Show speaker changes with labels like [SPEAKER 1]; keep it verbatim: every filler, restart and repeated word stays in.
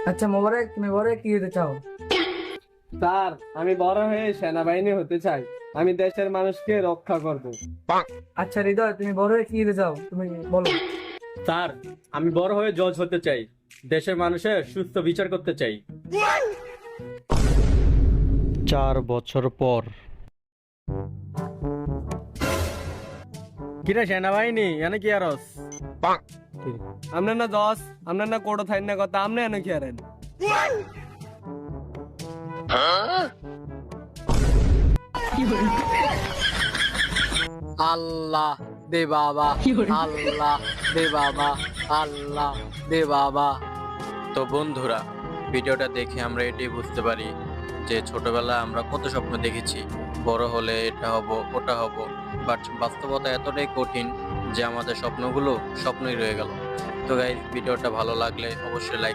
[SPEAKER 1] আচ্ছা মোবারক, তুমি বড় হয়ে কি হতে চাও?
[SPEAKER 2] স্যার, আমি বড় হয়ে সেনাবাহিনী হতে চাই। আমি দেশের মানুষকে রক্ষা করব।
[SPEAKER 1] আচ্ছা হৃদয়, তুমি বড় হয়ে কি হতে চাও, তুমি বলো।
[SPEAKER 3] স্যার, আমি বড় হয়ে জজ হতে চাই, দেশের মানুষের সুস্থ বিচার করতে চাই।
[SPEAKER 4] চার বছর পর।
[SPEAKER 3] কিরে সেনাবাহিনী, এনে কি আরস?
[SPEAKER 2] আমরা না দশ, আমরা না কোটো থাই না কথা, আমরা এনে কি আরেন?
[SPEAKER 5] আল্লাহ দে বাবা, আল্লাহ দে বাবা, আল্লাহ দে বাবা। তো বন্ধুরা, ভিডিওটা দেখে আমরা এটাই বুঝতে পারি যে ছোটবেলায় আমরা কত স্বপ্ন দেখেছি, বড় হলে এটা হব ওটা হব, বাট বাস্তবতা এতটাই কঠিন যে আমাদের স্বপ্নগুলো স্বপ্নই রয়ে গেল। তো গাইস, ভিডিওটা ভালো লাগলে অবশ্যই লাইক